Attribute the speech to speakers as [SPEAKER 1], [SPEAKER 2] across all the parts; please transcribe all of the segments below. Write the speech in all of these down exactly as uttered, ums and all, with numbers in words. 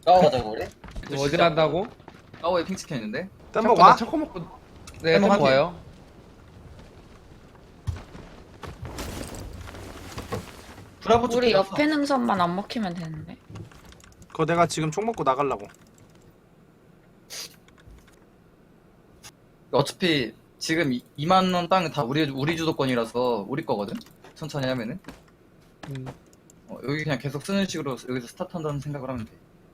[SPEAKER 1] 까워 가자고 그래?
[SPEAKER 2] 뭐 어디 간다고?
[SPEAKER 1] 까워에 핑 찍혀 있는데.
[SPEAKER 3] 땜먹 와?
[SPEAKER 2] 초코 먹고 네
[SPEAKER 1] 땜먹
[SPEAKER 2] 땜먹
[SPEAKER 1] 할게.
[SPEAKER 2] 와요.
[SPEAKER 1] 브라보 쪽
[SPEAKER 4] 우리
[SPEAKER 1] 들어갔어.
[SPEAKER 4] 옆에 능선만 안 먹히면 되는데.
[SPEAKER 3] 그거 내가 지금 총 먹고 나가려고.
[SPEAKER 1] 어차피 지금 이만 원 땅 다 우리 우리 주도권이라서 우리 거거든. 천천히 하면은.
[SPEAKER 2] 음.
[SPEAKER 1] 어, 여기 그냥 계속 쓰는 식으로 여기서 스타트한다는 생각을 하면 돼.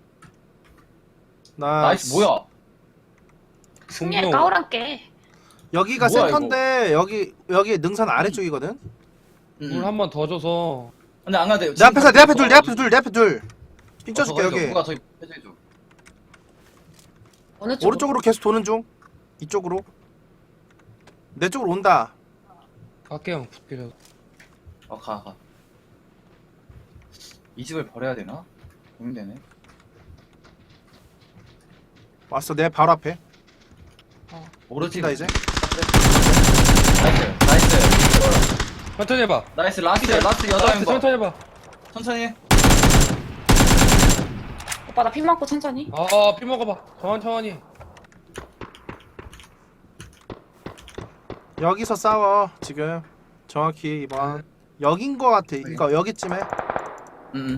[SPEAKER 3] 나
[SPEAKER 1] 나이스 뭐야?
[SPEAKER 4] 승리에
[SPEAKER 2] 공룡.
[SPEAKER 4] 까오란 게.
[SPEAKER 3] 여기가
[SPEAKER 1] 뭐야,
[SPEAKER 3] 센터인데 여기 여기 능선 아래쪽이거든.
[SPEAKER 1] 음,
[SPEAKER 2] 물
[SPEAKER 1] 음.
[SPEAKER 2] 한 번 더 줘서
[SPEAKER 1] 근데 안 가도 돼.
[SPEAKER 3] 내 앞에서 내 앞에 둘, 내 앞에 둘, 내 앞에 둘. 핑 쳐줄게 여기.
[SPEAKER 1] 누가 저기 해줘줘.
[SPEAKER 4] 어느 쪽?
[SPEAKER 3] 오른쪽으로 계속 도는 중. 이쪽으로. 내 쪽으로 온다.
[SPEAKER 2] 갈게요. 붙기려.
[SPEAKER 1] 어 가 가. 이 집을 버려야 되나? 고민되네.
[SPEAKER 3] 왔어 내 바로 앞에.
[SPEAKER 1] 모르지.
[SPEAKER 3] 뛴다 이제.
[SPEAKER 1] 나이스 나이스
[SPEAKER 2] 천천히 해봐.
[SPEAKER 1] 나이스 라스트 라스트 여덟
[SPEAKER 2] 나이스,
[SPEAKER 1] 명
[SPEAKER 2] 천천히 해봐.
[SPEAKER 1] 천천히 해.
[SPEAKER 4] 오빠 나 피 맞고 천천히.
[SPEAKER 2] 아, 피 먹어봐. 천천히.
[SPEAKER 3] 여기서 싸워 지금. 정확히 이번 여긴 거 같아. 이거 여기쯤에.
[SPEAKER 1] 음, 음.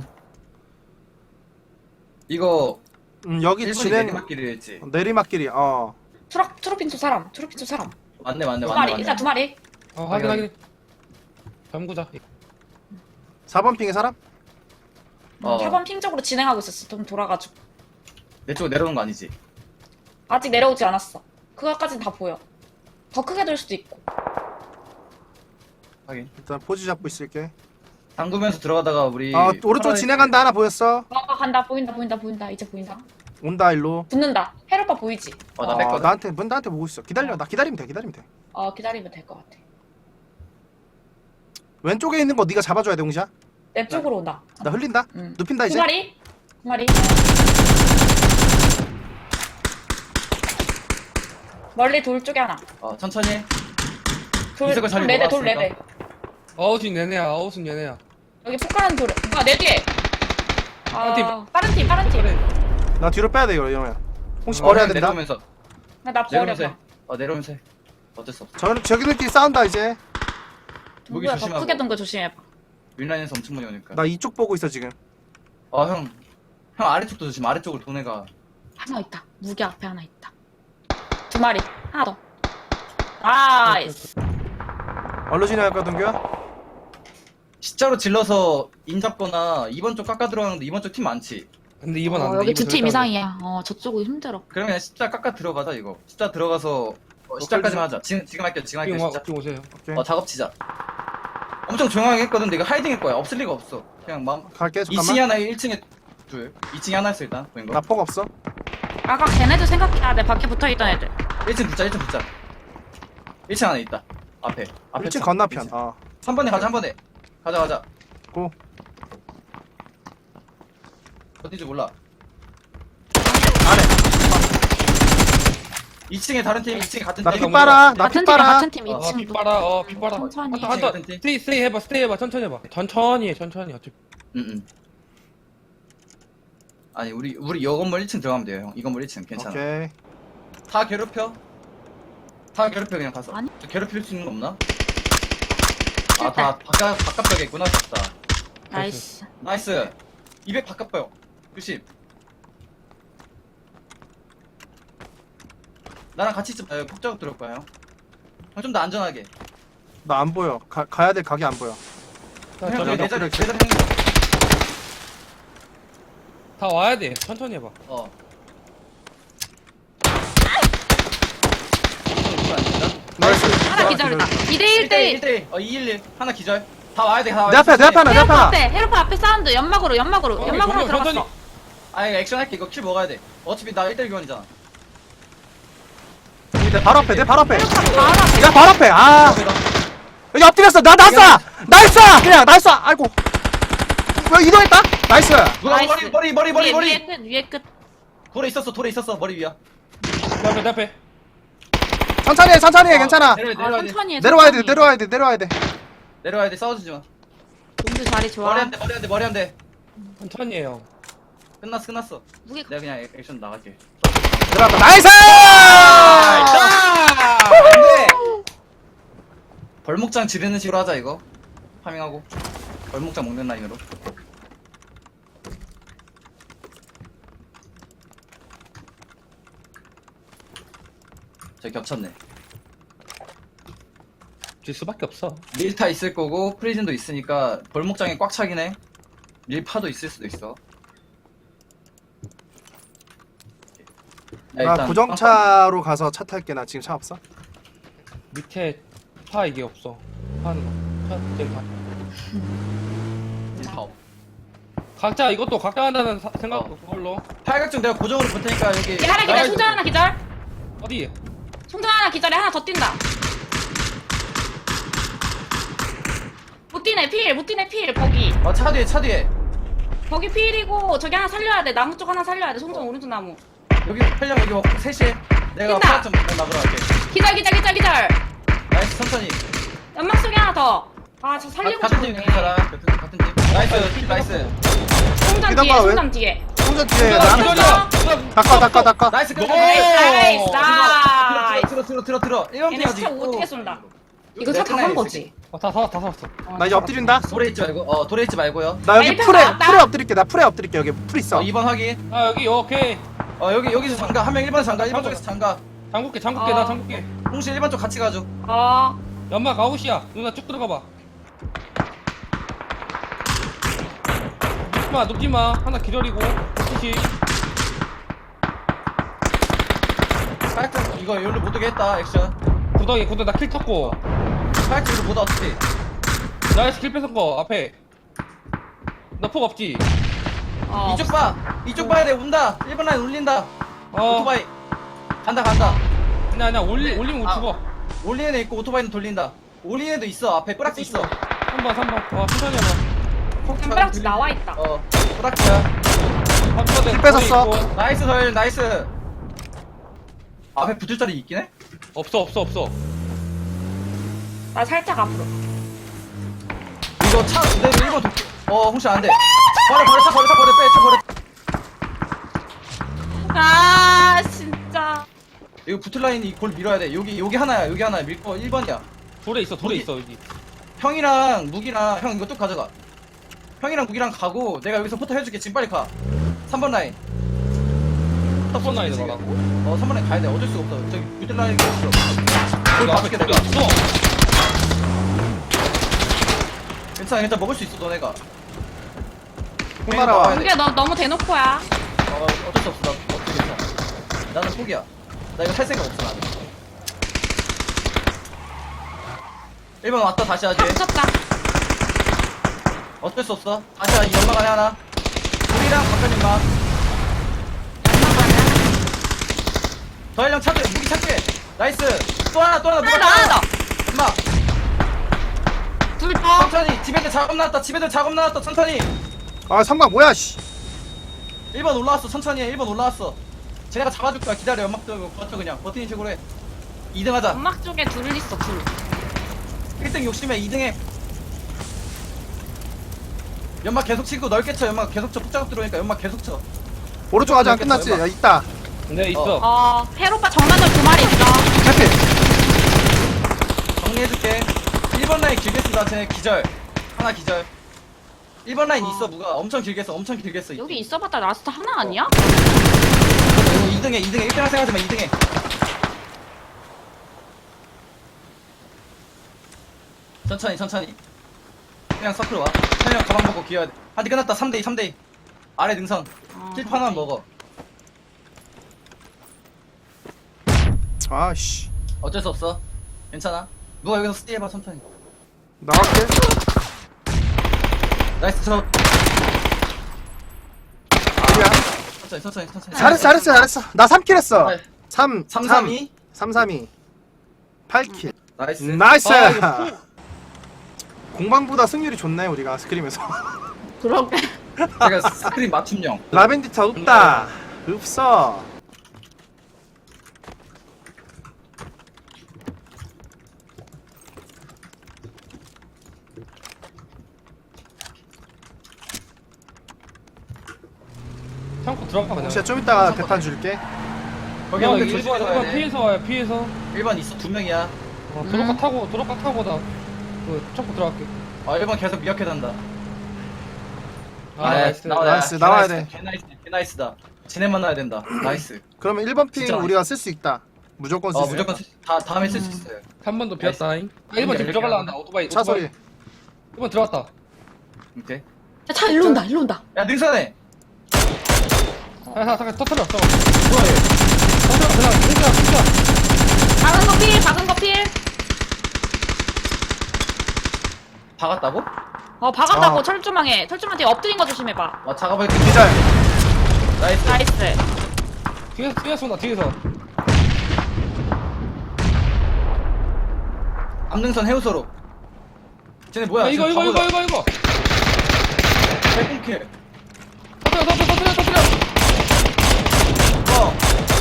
[SPEAKER 1] 이거
[SPEAKER 3] 음 여기
[SPEAKER 1] 일본이
[SPEAKER 3] 진행
[SPEAKER 1] 내리막길이 했지.
[SPEAKER 3] 내리막길이. 어.
[SPEAKER 4] 트럭 트로핀소 사람. 트로핀소 사람.
[SPEAKER 1] 맞네 맞네
[SPEAKER 4] 두
[SPEAKER 1] 맞네
[SPEAKER 4] 마리.
[SPEAKER 1] 맞네.
[SPEAKER 4] 일단 두 마리.
[SPEAKER 2] 어, 확인
[SPEAKER 1] 확인.
[SPEAKER 2] 확인. 잠구자.
[SPEAKER 3] 사 번 핑의 사람?
[SPEAKER 1] 어.
[SPEAKER 4] 사 번 핑 쪽으로 진행하고 있었어. 좀 돌아가지고.
[SPEAKER 1] 내 쪽으로 내려오는 거 아니지?
[SPEAKER 4] 아직 내려오지 않았어. 그거까진 다 보여. 더 크게 될 수도 있고.
[SPEAKER 1] 하긴.
[SPEAKER 3] 일단 포즈 잡고 있을게.
[SPEAKER 1] 담그면서 들어가다가 우리
[SPEAKER 3] 아 오른쪽
[SPEAKER 1] 파란색-
[SPEAKER 3] 진행한다. 하나 보였어.
[SPEAKER 4] 아 간다. 보인다. 보인다. 보인다. 이제 보인다.
[SPEAKER 3] 온다 일로.
[SPEAKER 4] 붙는다. 헤르빠 보이지?
[SPEAKER 1] 어, 나
[SPEAKER 3] 어,
[SPEAKER 1] 뺐거든.
[SPEAKER 3] 나한테 문 나한테 보고 있어. 기다려. 나 기다리면 돼. 기다리면 돼.
[SPEAKER 4] 어 기다리면 될 것 같아.
[SPEAKER 3] 왼쪽에 있는 거 네가 잡아줘야 돼, 홍시야.
[SPEAKER 4] 내 쪽으로 온다.
[SPEAKER 3] 나 흘린다.
[SPEAKER 4] 응.
[SPEAKER 3] 눕힌다
[SPEAKER 4] 두
[SPEAKER 3] 이제.
[SPEAKER 4] 마리. 두 마리. 멀리 돌 쪽에 하나.
[SPEAKER 1] 어 천천히 해.
[SPEAKER 4] 돌,
[SPEAKER 1] 이석을 자리
[SPEAKER 4] 돌 네대 돌
[SPEAKER 1] 먹어놨으니까.
[SPEAKER 4] 네대.
[SPEAKER 2] 아웃은 얘네야. 아웃은 얘네야.
[SPEAKER 4] 여기 폭가는 돌. 아, 내 뒤에. 아,
[SPEAKER 2] 빠른 팀.
[SPEAKER 4] 빠른 팀, 빠른 팀.
[SPEAKER 2] 그래.
[SPEAKER 3] 나 뒤로 빼야 돼 이거 이러면. 홍시
[SPEAKER 1] 어,
[SPEAKER 3] 버려야
[SPEAKER 1] 형
[SPEAKER 3] 된다.
[SPEAKER 1] 내려오면서
[SPEAKER 4] 나, 나
[SPEAKER 1] 내려오면서
[SPEAKER 4] 버려봐.
[SPEAKER 1] 해. 어 내려오면서 해. 어쩔 수 없어.
[SPEAKER 3] 저 저기들끼리 싸운다 이제.
[SPEAKER 1] 무기
[SPEAKER 4] 누구야, 더
[SPEAKER 1] 조심하고.
[SPEAKER 4] 크게 둔 거 조심해봐.
[SPEAKER 1] 윈라인에서 엄청 많이 오니까.
[SPEAKER 3] 나 이쪽 보고 있어 지금.
[SPEAKER 1] 어형 형 아래쪽도 조심. 아래쪽으로 돈 애가.
[SPEAKER 4] 하나 있다. 무기 앞에 하나 있다. 두 마리. 하나 더. 나이스.
[SPEAKER 3] 얼로 진행할까 동규야?
[SPEAKER 1] 십자로 질러서 인 잡거나 이번 쪽 깎아 들어가는데 이번 쪽 팀 많지.
[SPEAKER 2] 근데 이번 안
[SPEAKER 4] 어,
[SPEAKER 2] 돼.
[SPEAKER 4] 여기
[SPEAKER 2] 이번
[SPEAKER 4] 두 팀
[SPEAKER 2] 절대 안 돼.
[SPEAKER 4] 이상이야. 어, 저쪽은 힘들어.
[SPEAKER 1] 그러면 그냥 십자 깎아 들어가자 이거. 십자 들어가서 어, 십자까지만 하자. 지금 지금 할게 지금 할게
[SPEAKER 2] 핑 와,
[SPEAKER 1] 십자.
[SPEAKER 2] 핑 오세요.
[SPEAKER 3] 오케이.
[SPEAKER 1] 어 작업 치자. 엄청 조용하게 했거든. 근데 이거 하이딩일 거야. 없을 리가 없어. 그냥 마음.
[SPEAKER 3] 갈게
[SPEAKER 1] 이 층에
[SPEAKER 3] 잠깐만.
[SPEAKER 1] 하나, 일 층에 둘. 이 층에 하나 있어 일단. 보인 거.
[SPEAKER 3] 나 폭 없어.
[SPEAKER 4] 아까 걔네들 생각해야 돼. 밖에 붙어 있던 애들.
[SPEAKER 1] 일 층 붙자, 일 층 붙자. 일 층 안에 있다. 앞에. 앞에
[SPEAKER 3] 일 층
[SPEAKER 1] 층.
[SPEAKER 3] 건너편.
[SPEAKER 1] 일 층.
[SPEAKER 3] 어.
[SPEAKER 1] 한 번에 가자, 한 번에. 가자, 가자.
[SPEAKER 3] 고.
[SPEAKER 1] 어딘지 몰라.
[SPEAKER 3] 안에.
[SPEAKER 1] 이 층에 다른 팀, 이 층에 같은
[SPEAKER 3] 나
[SPEAKER 1] 팀.
[SPEAKER 3] 피 빨아. 나
[SPEAKER 4] 같은
[SPEAKER 3] 피
[SPEAKER 4] 팀이
[SPEAKER 3] 빨아.
[SPEAKER 4] 같은 팀
[SPEAKER 1] 어,
[SPEAKER 2] 어, 피
[SPEAKER 4] 이 층도.
[SPEAKER 2] 빨아. 어, 피 빨아.
[SPEAKER 4] 천천히.
[SPEAKER 2] 한타 한타.
[SPEAKER 1] 같은 팀.
[SPEAKER 2] 스테이 스테이 해봐. 스테이 해봐. 천천히 해봐. 천천히 해. 천천히. 어차피.
[SPEAKER 1] 응, 응. 아니, 우리, 우리 이 건물 일 층 들어가면 돼요, 형. 이 건물 일 층. 괜찮아.
[SPEAKER 3] 오케이.
[SPEAKER 1] 다 괴롭혀. 다 괴롭혀, 그냥 가서.
[SPEAKER 4] 아니.
[SPEAKER 1] 저 괴롭힐 수 있는 거 없나? 아, 다 바깥, 바깥벽에 있구나, 싶다.
[SPEAKER 4] 나이스.
[SPEAKER 1] 나이스. 이백 바깥벽. 조심. 나랑 같이 있자. 아, 폭 작업 들어올 거야, 형. 형, 좀 더 안전하게.
[SPEAKER 3] 나 안 보여. 가, 가야 될 각이 안 보여.
[SPEAKER 2] 자,
[SPEAKER 1] 형,
[SPEAKER 2] 저기
[SPEAKER 1] 여기 내
[SPEAKER 3] 너
[SPEAKER 1] 자리, 내
[SPEAKER 3] 그래.
[SPEAKER 1] 자리 형님.
[SPEAKER 2] 다 와야 돼. 천천히 해봐.
[SPEAKER 1] 어.
[SPEAKER 3] 나이스.
[SPEAKER 4] 하나 기절이다. 이 대 일 대 일.
[SPEAKER 1] 일 대 일. 어, 이백십일. 하나 기절. 다 와야 돼, 다 와야
[SPEAKER 3] 내
[SPEAKER 1] 돼.
[SPEAKER 3] 앞에 내 앞에 하나 내 앞에
[SPEAKER 4] 헤르파
[SPEAKER 3] 하나.
[SPEAKER 4] 앞에, 헤르파 앞에 사운드. 연막으로, 연막으로.
[SPEAKER 2] 어,
[SPEAKER 4] 연막으로
[SPEAKER 2] 정말 천천히.
[SPEAKER 4] 들어갔어.
[SPEAKER 1] 아니, 액션 할게. 이거 킬 먹어야 돼. 어차피 나 일 대 일 교환이잖아.
[SPEAKER 3] 내 바로 앞에 내 바로 앞에.
[SPEAKER 4] 헤르파 바로 앞에.
[SPEAKER 3] 내 바로 앞에. 아. 여기 엎드렸어. 나 났어. 나이스. 그냥 나이스. 아이고. 왜 이동했다? 나이스.
[SPEAKER 1] 누가
[SPEAKER 4] 나이스.
[SPEAKER 1] 머리, 머리, 머리, 머리,
[SPEAKER 4] 위에,
[SPEAKER 1] 머리.
[SPEAKER 4] 위에 끝, 위에 끝.
[SPEAKER 1] 돌에 있었어, 돌에 있었어. 머리 위야.
[SPEAKER 2] 내 앞에 내 앞에.
[SPEAKER 3] 천천히 해. 천천히 해. 괜찮아.
[SPEAKER 1] 내려야 돼,
[SPEAKER 4] 아,
[SPEAKER 1] 내려야 돼.
[SPEAKER 4] 천천히 해.
[SPEAKER 3] 내려와야 돼.
[SPEAKER 4] 천천히.
[SPEAKER 3] 내려와야 돼. 내려와야 돼.
[SPEAKER 1] 내려야 돼. 싸워주지 마.
[SPEAKER 4] 동주 자리 좋아.
[SPEAKER 1] 머리 한 대, 머리 한 대, 머리 한 대.
[SPEAKER 2] 천천히 해요.
[SPEAKER 1] 끝났어 끝났어.
[SPEAKER 4] 무기
[SPEAKER 1] 내가 그냥 액- 액션 나갈게.
[SPEAKER 3] 들어갔다. 나이스!
[SPEAKER 1] 안돼. 벌목장 지르는 식으로 하자 이거. 파밍하고 벌목장 먹는 라인으로. 저 겹쳤네.
[SPEAKER 2] 질 수밖에 없어.
[SPEAKER 1] 밀타 있을 거고 프리즌도 있으니까 벌목장에 꽉 차긴 해. 밀파도 있을 수도 있어. 야,
[SPEAKER 3] 나
[SPEAKER 1] 일단
[SPEAKER 3] 고정차로 가서 차 탈게. 나 지금 차 없어.
[SPEAKER 2] 밑에 파 이게 없어. 파는 거. 차 때리 파.
[SPEAKER 1] 밀파 없.
[SPEAKER 2] 각자 이것도 각자 한다는 사- 생각
[SPEAKER 1] 어.
[SPEAKER 2] 그걸로.
[SPEAKER 1] 팔각정 내가 고정으로 볼 테니까 여기.
[SPEAKER 4] 얘 하나 기절
[SPEAKER 1] 나가야
[SPEAKER 4] 충전
[SPEAKER 1] 돼.
[SPEAKER 4] 하나 기절
[SPEAKER 2] 어디?
[SPEAKER 4] 충전 하나 기절에 하나 더 뛴다 못 뛰네 필못 뛰네 필 거기
[SPEAKER 1] 어, 차 뒤에 차 뒤에.
[SPEAKER 4] 거기 필이고 저기 하나 살려야 돼 나무 쪽 하나 살려야 돼 송정 오른쪽 나무
[SPEAKER 1] 여기 팔령 여기 먹고 셋이. 내가
[SPEAKER 4] 뛴다.
[SPEAKER 1] 팔각정 막으러 갈게.
[SPEAKER 4] 기절 기절 기절 기절
[SPEAKER 1] 나이스 천천히.
[SPEAKER 4] 연막 속에 하나 더아저 살리고
[SPEAKER 1] 같은 팀
[SPEAKER 4] 싶네
[SPEAKER 1] 같은 사람 같은 같은 팀. 나이스 나이스.
[SPEAKER 4] 송장
[SPEAKER 3] 기다려,
[SPEAKER 4] 뒤에
[SPEAKER 3] 왜?
[SPEAKER 4] 송장 뒤에
[SPEAKER 3] 충전 뒤에
[SPEAKER 2] 기다려,
[SPEAKER 3] 나
[SPEAKER 2] 기다려.
[SPEAKER 3] 닦아 닦아 닦아.
[SPEAKER 1] 나이스 끝.
[SPEAKER 4] 나이스 나이스
[SPEAKER 1] 들어 들어 들어 들어. 일번
[SPEAKER 4] 얘네
[SPEAKER 1] 피하지.
[SPEAKER 4] 진짜 어떻게 쏜다 이거 차 다
[SPEAKER 1] 끝나야
[SPEAKER 4] 산
[SPEAKER 1] 돼,
[SPEAKER 4] 거지
[SPEAKER 2] 어, 다 사, 다 샀어.
[SPEAKER 3] 나 이제 엎드린다.
[SPEAKER 1] 돌에 있지 말고. 어 돌에 있지 말고요.
[SPEAKER 3] 나 여기
[SPEAKER 4] 일평
[SPEAKER 3] 풀에
[SPEAKER 4] 나왔다.
[SPEAKER 3] 풀에 엎드릴게. 나 풀에 엎드릴게. 여기 풀 있어.
[SPEAKER 1] 어 이 번 확인.
[SPEAKER 2] 아 여기 오케이.
[SPEAKER 1] 어 여기 여기서 장가 한 명 일 번 장가 일 번 쪽에서 장가.
[SPEAKER 2] 잠글게 잠글게
[SPEAKER 4] 어.
[SPEAKER 2] 나 잠글게.
[SPEAKER 1] 홍시 일 번 쪽 같이 가줘.
[SPEAKER 4] 어
[SPEAKER 2] 연막 아웃이야. 누나 쭉 들어가봐. 눕지마 눕지마. 하나 기절이고. 그치.
[SPEAKER 1] 팔각정 이거 여기로 못 오게 했다 액션.
[SPEAKER 2] 구덩이 구덩이 나킬 쳤고.
[SPEAKER 1] 팔각정 이거 못 와, 어떻게.
[SPEAKER 2] 나이스 킬 뺏은 거 앞에. 나 폭 없지.
[SPEAKER 4] 어.
[SPEAKER 1] 이쪽 봐. 이쪽 봐야 돼. 온다. 일 번 라인 올린다.
[SPEAKER 2] 어.
[SPEAKER 1] 오토바이. 간다 간다.
[SPEAKER 2] 아니야 아니야 올리 올리면 못
[SPEAKER 1] 아.
[SPEAKER 2] 죽어.
[SPEAKER 1] 올리는 애 있고 오토바이는 돌린다. 올리는 애도 있어. 앞에 뿌락지 있어.
[SPEAKER 2] 삼 번 삼 번. 어 천천히 해봐.
[SPEAKER 4] 템브락지 나와 있다
[SPEAKER 1] 어. 뿌락지야.
[SPEAKER 2] 킬
[SPEAKER 3] 뺏었어.
[SPEAKER 1] 나이스 서일 나이스. 앞에 붙을 자리 있긴 해?
[SPEAKER 2] 없어 없어 없어.
[SPEAKER 4] 나 살짝 앞으로
[SPEAKER 1] 이거 차 그대로 일 번 도끼. 어 홍시 안 돼. 버려 버려 차 버려 차 버려 빼 차 버려.
[SPEAKER 4] 아 진짜
[SPEAKER 1] 이거 붙을 라인이 골 밀어야 돼. 여기 여기 하나야. 여기 하나야. 밀거 일 번이야.
[SPEAKER 2] 돌에 있어 돌에
[SPEAKER 1] 여기.
[SPEAKER 2] 있어 여기.
[SPEAKER 1] 형이랑 무기랑 형 이거 뚝 가져가. 형이랑 무기랑 가고 내가 여기서 포터 해줄게. 지금 빨리 가. 삼 번 라인.
[SPEAKER 2] 삼 번 라인에
[SPEAKER 1] 지금.
[SPEAKER 2] 가라고?
[SPEAKER 1] 어 삼 번 라인 가야 돼. 어쩔 수 없어. 저기 붙을 라인이 없어.
[SPEAKER 2] 여기 앞에
[SPEAKER 1] 밖에
[SPEAKER 2] 돌에
[SPEAKER 1] 내가.
[SPEAKER 2] 있어.
[SPEAKER 1] 괜찮아 괜찮아 먹을 수 있어 너네가.
[SPEAKER 3] 콩 날아와.
[SPEAKER 1] 돼.
[SPEAKER 4] 이게 너 너무 대놓고야
[SPEAKER 1] 어 어쩔 수 없어. 나 어떻게 괜찮아. 나는 포기야. 나 이거 살 생각 없어 나는. 일 번 왔다 다시 하지.
[SPEAKER 4] 다 붙였다
[SPEAKER 1] 어쩔 수 없어. 다시 하지. 연막 안에 하나. 우리랑 바깥 연막. 더일령 차도 무기 차도 나이스. 또 하나 또 하나
[SPEAKER 4] 하나 더 하나
[SPEAKER 1] 연막.
[SPEAKER 4] 더둘더
[SPEAKER 1] 천천히. 집애들 작업 나왔다. 집애들 작업 나왔다. 천천히.
[SPEAKER 3] 아 삼각 뭐야 씨.
[SPEAKER 1] 일 번 올라왔어. 천천히 해. 일 번 올라왔어. 쟤네가 잡아줄 거야. 기다려. 연막 들고 버텨 그냥. 버티는 식으로 해. 이 등 하자.
[SPEAKER 4] 연막 쪽에 둘 있어 둘
[SPEAKER 1] 일 등 욕심에 이 등 해. 연막 계속 치고 넓게 쳐. 연막 계속 쳐. 폭작업 들어오니까 연막 계속 쳐.
[SPEAKER 3] 오른쪽 아직 안 끝났지. 야 있다.
[SPEAKER 2] 네 있어.
[SPEAKER 4] 어, 헤로빠 정면으로 두 마리 있어.
[SPEAKER 3] 해피.
[SPEAKER 1] 정리해줄게. 일 번 라인 길게 쓴다. 쟤네 기절. 하나 기절. 일 번 라인
[SPEAKER 4] 어.
[SPEAKER 1] 있어. 무가 엄청 길게 써. 엄청 길게 써.
[SPEAKER 4] 여기 있어봤자 라스트 하나 아니야?
[SPEAKER 1] 이 등에 이 등에 일 등이라 생각하지 마. 이 등에. 천천히 천천히. 그냥 서클 와. 천영 가방 먹고 기어야 돼. 한대 끝났다. 삼 대 이 삼 대 이. 아래 능선.
[SPEAKER 4] 어,
[SPEAKER 1] 킬프 하나만 먹어.
[SPEAKER 3] 아씨.
[SPEAKER 1] 어쩔 수 없어. 괜찮아. 누가 여기서 스티 해봐 천천히.
[SPEAKER 3] 나갈게.
[SPEAKER 1] 나이스 저.
[SPEAKER 3] 아니야.
[SPEAKER 1] 천천히 천천히 천천히.
[SPEAKER 3] 잘했어 잘했어 잘했어. 나 삼 킬 했어.
[SPEAKER 1] 네.
[SPEAKER 3] 삼
[SPEAKER 1] 삼 삼 이.
[SPEAKER 3] 삼 삼 이. 팔 킬.
[SPEAKER 1] 나이스.
[SPEAKER 3] 나이스.
[SPEAKER 2] 아, 이거
[SPEAKER 3] 공방보다 승률이 좋네 우리가 스크림에서.
[SPEAKER 4] 그러게.
[SPEAKER 1] 제가 스크린 맞춤형.
[SPEAKER 3] 라벤디타 없다. 없어.
[SPEAKER 2] 들어가 그냥.
[SPEAKER 3] 혹시 좀 이따가 대탄 줄게.
[SPEAKER 1] 거기
[SPEAKER 2] 야,
[SPEAKER 1] 한번
[SPEAKER 2] 일번
[SPEAKER 1] 조심해서
[SPEAKER 2] 일번
[SPEAKER 1] 가야 돼.
[SPEAKER 2] 피해서 와요 피해서.
[SPEAKER 1] 일 번 있어 두 명이야.
[SPEAKER 2] 어, 도로가
[SPEAKER 4] 음.
[SPEAKER 2] 타고 도로가 타고 나그 쫓고 들어갈게.
[SPEAKER 1] 아 일 번 계속 미약해 단다.
[SPEAKER 2] 아
[SPEAKER 1] 네,
[SPEAKER 2] 나이스.
[SPEAKER 1] 나와야
[SPEAKER 3] 나이스,
[SPEAKER 1] 개
[SPEAKER 3] 나와야
[SPEAKER 1] 나이스다, 개 나이스 개 나이스다. 지네 만나야 된다. 나이스.
[SPEAKER 3] 그러면 일 번 핑
[SPEAKER 1] 진짜
[SPEAKER 3] 우리가 쓸 수 있다. 무조건 쓸
[SPEAKER 1] 어
[SPEAKER 3] 수 있다.
[SPEAKER 1] 무조건 쓸- 다 다음에 쓸 수 있어요.
[SPEAKER 2] 한 번도 비었다잉. 아, 일 번 지금
[SPEAKER 1] 이렇게
[SPEAKER 2] 들어갈라
[SPEAKER 1] 하나?
[SPEAKER 2] 한다. 오토바이.
[SPEAKER 3] 차
[SPEAKER 2] 오토바이.
[SPEAKER 3] 소리.
[SPEAKER 2] 일 번 들어갔다.
[SPEAKER 1] 오케이.
[SPEAKER 4] 야, 차 일로 온다 일로 온다.
[SPEAKER 1] 야 능선해.
[SPEAKER 2] 아, 잠깐 잠깐 터트려. 저거.
[SPEAKER 1] 뭐해?
[SPEAKER 2] 터트려. 그냥 진짜 진짜.
[SPEAKER 4] 박은 거 필, 박은 거 필.
[SPEAKER 1] 박았다고?
[SPEAKER 4] 어 박았다고
[SPEAKER 3] 어.
[SPEAKER 4] 철조망에 철조망 뒤에 엎드린 거 조심해봐.
[SPEAKER 1] 와 작업할 때
[SPEAKER 3] 기절.
[SPEAKER 1] 나이스.
[SPEAKER 4] 나이스.
[SPEAKER 2] 뒤에서 뒤에서 온다. 뒤에서.
[SPEAKER 1] 암능선 해우소로. 쟤네 뭐야?
[SPEAKER 2] 야, 이거 이거 이거 이거 이거.
[SPEAKER 1] 백공킬.
[SPEAKER 2] 터트려 터트려 터트려 터트려.
[SPEAKER 1] 어.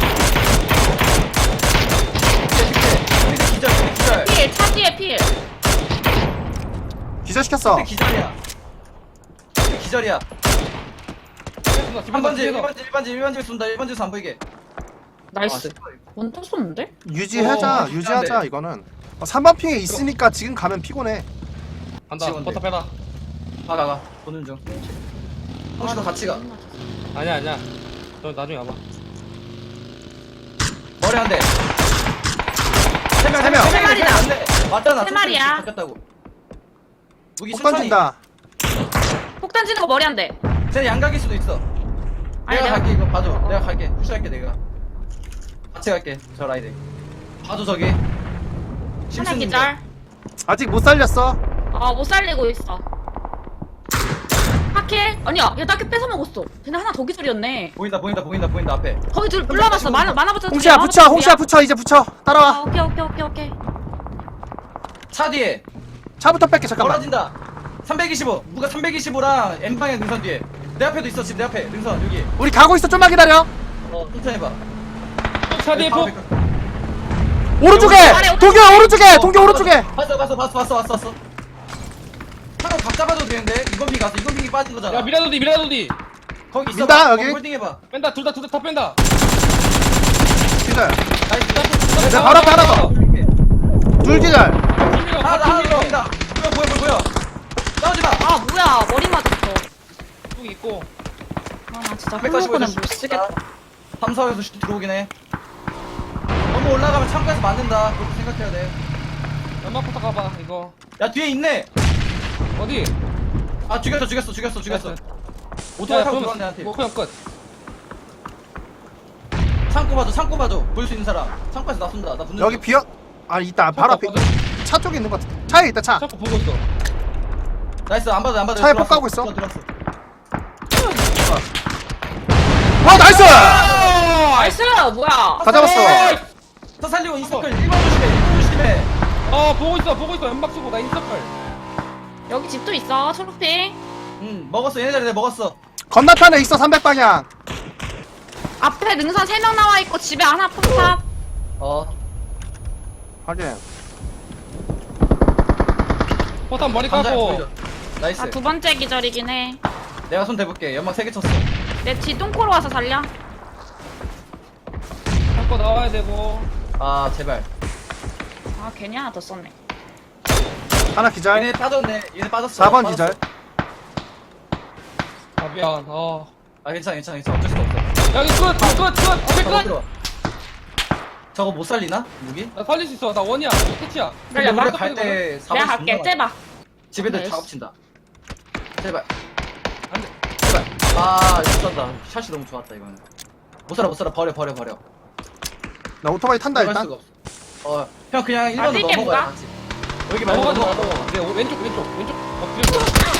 [SPEAKER 1] 기절 기절 기절.
[SPEAKER 4] 필, 차 뒤에 필.
[SPEAKER 3] 기절시켰어.
[SPEAKER 1] 근데 기절이야. 근데 기절이야.
[SPEAKER 2] 뒤에서
[SPEAKER 1] 한 번지 일
[SPEAKER 2] 뒤에서.
[SPEAKER 1] 번지 일 번지 일 번지 쏜다. 일 번지에서 안 보이게.
[SPEAKER 4] 나이스.
[SPEAKER 1] 아,
[SPEAKER 4] 원통 쏘는데?
[SPEAKER 3] 유지하자.
[SPEAKER 1] 어,
[SPEAKER 3] 유지하자 이거는. 어, 삼 번 핑에 있으니까 지금 가면 피곤해.
[SPEAKER 2] 간다.
[SPEAKER 1] 지원돼.
[SPEAKER 2] 버터 빼라.
[SPEAKER 1] 가, 가, 가. 보는 중. 혹시 너 같이 가.
[SPEAKER 2] 아니야 아니야. 너 나중에 와봐.
[SPEAKER 1] 머리 한 대. 세 명,
[SPEAKER 3] 세 명.
[SPEAKER 4] 세 마리다.
[SPEAKER 1] 안 돼. 맞잖아.
[SPEAKER 4] 세 마리야.
[SPEAKER 1] 바뀌었다고. 무기
[SPEAKER 3] 폭
[SPEAKER 1] 천천히.
[SPEAKER 3] 던진다.
[SPEAKER 4] 폭 던지는 거 머리 안 돼.
[SPEAKER 1] 쟤 양각일 수도 있어.
[SPEAKER 4] 아니,
[SPEAKER 1] 내가
[SPEAKER 4] 내가-
[SPEAKER 1] 갈게. 이거 봐줘. 내가 갈게. 푸시할게 내가. 같이 갈게. 저 라이드. 봐줘 저기.
[SPEAKER 4] 하나
[SPEAKER 1] 심슨인데.
[SPEAKER 4] 기절.
[SPEAKER 3] 아직 못 살렸어.
[SPEAKER 4] 어, 못 살리고 있어. 하킬? 아니야, 야, 나킬 뺏어 먹었어. 쟤네 하나 더 기절이었네.
[SPEAKER 1] 보인다 보인다 보인다 보인다 앞에.
[SPEAKER 4] 거기 둘 불러봤어. 만화, 만화 붙여.
[SPEAKER 3] 홍시야 붙여. 홍시야 붙여. 이제 붙여.
[SPEAKER 4] 아,
[SPEAKER 3] 따라와.
[SPEAKER 4] 오케이, 오케이, 오케이, 오케이.
[SPEAKER 1] 차 뒤에.
[SPEAKER 3] 차부터 뺄게 잠깐만.
[SPEAKER 1] 멀어진다. 삼백이십오. 누가 삼백이십오랑 M방향 능선 뒤에. 내 앞에도 있어 지금 내 앞에 능선 여기.
[SPEAKER 3] 우리 가고 있어. 좀만 기다려.
[SPEAKER 1] 어 천천히 해봐.
[SPEAKER 2] 차 뒤에 폭.
[SPEAKER 3] 오른쪽에.
[SPEAKER 4] 아래,
[SPEAKER 3] 동규 오른쪽에. 동규 오른쪽에.
[SPEAKER 1] 봤어 봤어 봤어 봤어 봤어 봤어. 차로 각 잡아도 되는데 이건 피 가서 이건 피 빠진 거잖아.
[SPEAKER 2] 야 미라도디 미라도디.
[SPEAKER 1] 거기 있어.
[SPEAKER 3] 민다, 여기.
[SPEAKER 1] 홀딩해봐.
[SPEAKER 2] 뺀다 둘 다 둘 다 다 뺀다.
[SPEAKER 3] 기절.
[SPEAKER 1] 나이스.
[SPEAKER 3] 내 바로 앞에 하나 더. 둘 기절.
[SPEAKER 1] 하나 더 하나 더 보인다. 보여 보여 보여 보여. 싸우지 마.
[SPEAKER 4] 아, 뭐야. 머리 맞았어.
[SPEAKER 2] 뚝 있고.
[SPEAKER 4] 아, 나 진짜
[SPEAKER 1] 백사십오
[SPEAKER 4] 홀로코는
[SPEAKER 1] 에서
[SPEAKER 4] 못 쓰겠다.
[SPEAKER 1] 삼사에서 슈트 들어오긴 해. 너무 올라가면 창고에서 맞는다. 그렇게 생각해야 돼.
[SPEAKER 2] 연막부터 가봐 이거.
[SPEAKER 1] 야 뒤에 있네.
[SPEAKER 2] 어디?
[SPEAKER 1] 아 죽였어 죽였어 죽였어 죽였어.
[SPEAKER 2] 야,
[SPEAKER 1] 오토바이 타고
[SPEAKER 2] 그러면
[SPEAKER 1] 들어왔네 한테.
[SPEAKER 2] 뭐 그냥 끝.
[SPEAKER 1] 창고 봐줘 창고 봐줘. 볼 수 있는 사람. 창고에서 나 쏜다. 나 붙는
[SPEAKER 3] 여기
[SPEAKER 1] 중.
[SPEAKER 3] 비어. 아 있다. 바로 앞에. 차 쪽에 있는 것 같아. 차에 있다 차.
[SPEAKER 2] 자꾸 보고 있어.
[SPEAKER 1] 나이스 안 받아 안 받아.
[SPEAKER 3] 차에
[SPEAKER 1] 들어왔어.
[SPEAKER 3] 폭 가고 있어.
[SPEAKER 1] 들어왔어.
[SPEAKER 3] 와 나이스.
[SPEAKER 4] 나이스! 뭐야.
[SPEAKER 3] 다 잡았어.
[SPEAKER 1] 더 살리고 인서클 일 번 조심해. 일 번 조심해.
[SPEAKER 2] 어 보고 있어 보고 있어 연막 쓰고 나 인서클.
[SPEAKER 4] 여기 집도 있어. 초록핑.
[SPEAKER 1] 응 먹었어. 얘네 자리 내가 먹었어.
[SPEAKER 3] 건너편에 있어 삼백 방향.
[SPEAKER 4] 앞에 능선 세 명 나와 있고 집에 하나 폰탑.
[SPEAKER 1] 어.
[SPEAKER 3] 확인.
[SPEAKER 2] 포탄 머리
[SPEAKER 1] 감자
[SPEAKER 2] 까고.
[SPEAKER 1] 보이죠? 나이스.
[SPEAKER 4] 아, 두 번째 기절이긴 해.
[SPEAKER 1] 내가 손 대볼게. 연막 세 개 쳤어.
[SPEAKER 4] 내 뒤 똥코로 와서 살려.
[SPEAKER 2] 잡고 나와야 되고.
[SPEAKER 1] 아 제발.
[SPEAKER 4] 아, 괜히 하나 더 썼네.
[SPEAKER 3] 하나 기절.
[SPEAKER 1] 얘네 빠졌네. 얘네 빠졌어.
[SPEAKER 3] 사 번
[SPEAKER 1] 빠졌어.
[SPEAKER 3] 기절.
[SPEAKER 2] 아 미안. 어.
[SPEAKER 1] 아 괜찮아 괜찮아 괜찮아. 어쩔 수가 없어.
[SPEAKER 2] 여기 끝. 끝. 끝. 앞에
[SPEAKER 1] 저거
[SPEAKER 2] 끝.
[SPEAKER 1] 들어. 저거 못 살리나? 무기?
[SPEAKER 2] 나 살릴 수 있어. 나 원이야. 캐치야.
[SPEAKER 1] 근데
[SPEAKER 4] 그래,
[SPEAKER 1] 우리
[SPEAKER 4] 막
[SPEAKER 1] 갈때 사 번
[SPEAKER 4] 내가 갈게. 째봐.
[SPEAKER 1] 집애들
[SPEAKER 4] 네.
[SPEAKER 1] 작업 친다. 제발.
[SPEAKER 2] 안 돼.
[SPEAKER 1] 제발. 아 이거 쏜다. 샷이 너무 좋았다 이거는. 못 살아 못 살아 버려 버려 버려.
[SPEAKER 3] 나 오토바이 탄다
[SPEAKER 1] 들어갈
[SPEAKER 3] 일단.
[SPEAKER 1] 수가 없어. 어형 그냥 일 번으로
[SPEAKER 4] 뛸게,
[SPEAKER 1] 넘어가야
[SPEAKER 4] 뭐가?
[SPEAKER 1] 같이. 여기 말고
[SPEAKER 2] 넘어가
[SPEAKER 1] 넘어가.
[SPEAKER 2] 넘어가.
[SPEAKER 1] 넘어가.
[SPEAKER 2] 네 왼쪽 왼쪽 왼쪽. 어 그리고.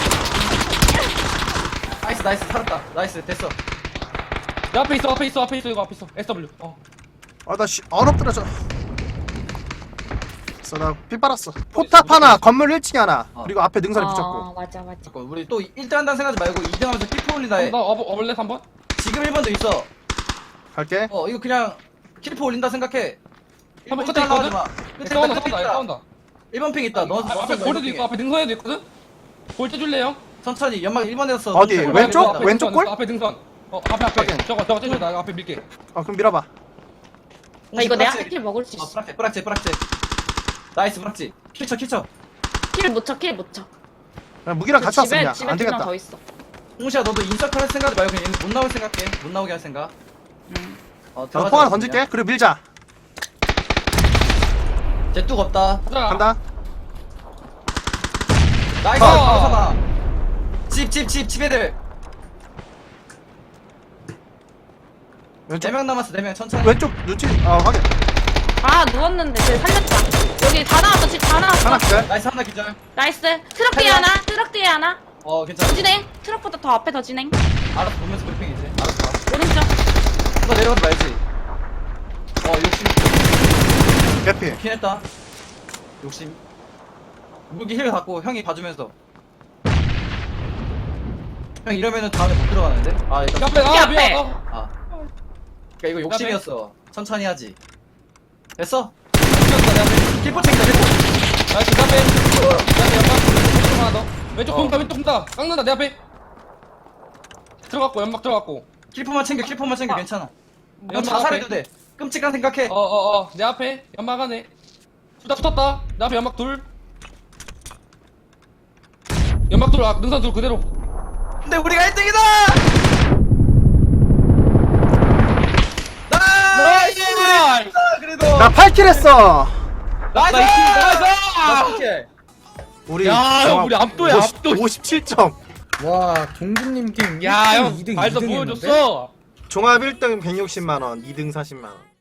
[SPEAKER 1] 나이스 나이스 살았다. 나이스 됐어.
[SPEAKER 2] 내 앞에 있어 앞에 있어 앞에 있어 이거 앞에 있어. 에스더블유. 어.
[SPEAKER 3] 아나 씨 얼어뜨려져. 그래서 나피 빨았어. 포탑 하나, 건물 일 층에 하나.
[SPEAKER 1] 어.
[SPEAKER 3] 그리고 앞에 능선에
[SPEAKER 4] 어,
[SPEAKER 3] 붙였고.
[SPEAKER 4] 맞아, 맞아.
[SPEAKER 1] 잠깐 우리 또 일 등 한다는 생각하지 말고 이 등 하면서 킬프 올린다 해.
[SPEAKER 2] 나 어버 어벌레 한 번.
[SPEAKER 1] 지금 일 번도 있어.
[SPEAKER 3] 갈게.
[SPEAKER 1] 어 이거 그냥 킬프 올린다 생각해.
[SPEAKER 2] 한번
[SPEAKER 1] 일 번
[SPEAKER 2] 끝에
[SPEAKER 1] 따라가지
[SPEAKER 2] 있거든?
[SPEAKER 1] 마. 끝에
[SPEAKER 2] 싸운다
[SPEAKER 1] 있다, 끝에
[SPEAKER 2] 싸운다
[SPEAKER 1] 있다.
[SPEAKER 2] 싸운다.
[SPEAKER 1] 일 번 핑 있다. 너
[SPEAKER 2] 아, 앞에 골드도 있고 앞에 능선에도 있거든? 골드 줄래요?
[SPEAKER 1] 천천히 연막 일 번에서
[SPEAKER 3] 어디? 왼쪽?
[SPEAKER 2] 앞에
[SPEAKER 3] 왼쪽
[SPEAKER 2] 능선,
[SPEAKER 3] 골?
[SPEAKER 2] 앞에 능선. 어 앞에 앞에
[SPEAKER 3] 확인.
[SPEAKER 2] 저거 저거 떼줘 나 앞에 밀게.
[SPEAKER 3] 어 그럼 밀어봐.
[SPEAKER 4] 나 이거 내가
[SPEAKER 1] 뿌락지.
[SPEAKER 4] 킬 먹을 수
[SPEAKER 1] 어
[SPEAKER 4] 있어.
[SPEAKER 1] 뿌락지 뿌락지 뿌락지 나이스 뿌락지 킬쳐 킬쳐
[SPEAKER 4] 킬 못 쳐, 킬 못 쳐.
[SPEAKER 3] 그냥 무기랑 같이 왔어
[SPEAKER 4] 집에,
[SPEAKER 3] 그냥.
[SPEAKER 4] 집에
[SPEAKER 3] 안
[SPEAKER 4] 두 명
[SPEAKER 3] 되겠다.
[SPEAKER 4] 더 있어.
[SPEAKER 1] 홍시야 너도 인서클 할 생각 말고 그냥 못 나올 생각해 못 나오게 할 생각
[SPEAKER 4] 응.
[SPEAKER 1] 어
[SPEAKER 3] 나도
[SPEAKER 1] 들어가자,
[SPEAKER 3] 폭 하나
[SPEAKER 1] 그냥.
[SPEAKER 3] 던질게. 그리고 밀자.
[SPEAKER 1] 쟤뚝 없다
[SPEAKER 2] 가자.
[SPEAKER 3] 간다.
[SPEAKER 1] 나이스
[SPEAKER 2] 어.
[SPEAKER 1] 가서 집집 집 집 애들
[SPEAKER 3] 왼쪽.
[SPEAKER 1] 네 명 남았어 네 명 천천히
[SPEAKER 3] 왼쪽 눈치. 어 확인.
[SPEAKER 4] 아, 누웠는데 쟤 살렸다. 여기 다 나왔어, 집 다 나왔어.
[SPEAKER 3] 하나 기절.
[SPEAKER 1] 나이스 하나 기절
[SPEAKER 4] 나이스. 트럭 뒤에
[SPEAKER 1] 하나.
[SPEAKER 4] 하나, 트럭 뒤에 하나.
[SPEAKER 1] 어 괜찮아
[SPEAKER 4] 더 진행. 트럭보다 더 앞에 더 진행.
[SPEAKER 1] 알아서 보면서 브리핑이지 알아서 봐
[SPEAKER 4] 오른쪽.
[SPEAKER 1] 누가 내려가지 말지 어 욕심
[SPEAKER 3] 개피.
[SPEAKER 1] 좋긴 했다 욕심 무기 힐 갖고 형이 봐주면서 형 이러면은 다음에 못 들어가는데? 아 일단
[SPEAKER 2] 앞에
[SPEAKER 4] 앞에.
[SPEAKER 2] 아 미안. 어.
[SPEAKER 1] 아 그니까 이거 욕심이었어 천천히 하지 됐어?
[SPEAKER 2] 죽였다 내 앞에.
[SPEAKER 1] 킬포 챙겨 킬포
[SPEAKER 2] 나이스 내 앞에. 내 앞에 연막 왼쪽 하나 더. 왼쪽
[SPEAKER 1] 어.
[SPEAKER 2] 돈다 왼쪽 돈다. 깎는다 내 앞에. 들어갔고 연막 들어갔고.
[SPEAKER 1] 킬포만 챙겨 킬포만 챙겨 괜찮아 형
[SPEAKER 2] 연막
[SPEAKER 1] 자살해도
[SPEAKER 2] 앞에.
[SPEAKER 1] 돼 끔찍한 생각해
[SPEAKER 2] 어어어 내 앞에 연막 안에. 둘 다 붙었다. 내 앞에 연막 둘. 연막 둘 아, 능선 둘 그대로.
[SPEAKER 1] 근데 우리가 일 등이다! 나이스!
[SPEAKER 2] 나이스!
[SPEAKER 1] 그래도
[SPEAKER 3] 나 팔 킬 했어.
[SPEAKER 1] 나이스!
[SPEAKER 2] 나이스!
[SPEAKER 1] 나이스!
[SPEAKER 3] 우리
[SPEAKER 2] 야, 형, 우리 압도야, 압도.
[SPEAKER 3] 오십칠 점.
[SPEAKER 5] 와 동준님 팀
[SPEAKER 2] 야, 형,
[SPEAKER 5] 일 등, 이 등,
[SPEAKER 2] 발서
[SPEAKER 5] 이 등 했는데?
[SPEAKER 2] 보여줬어.
[SPEAKER 3] 종합 일 등 백육십만 원, 이 등 사십만 원.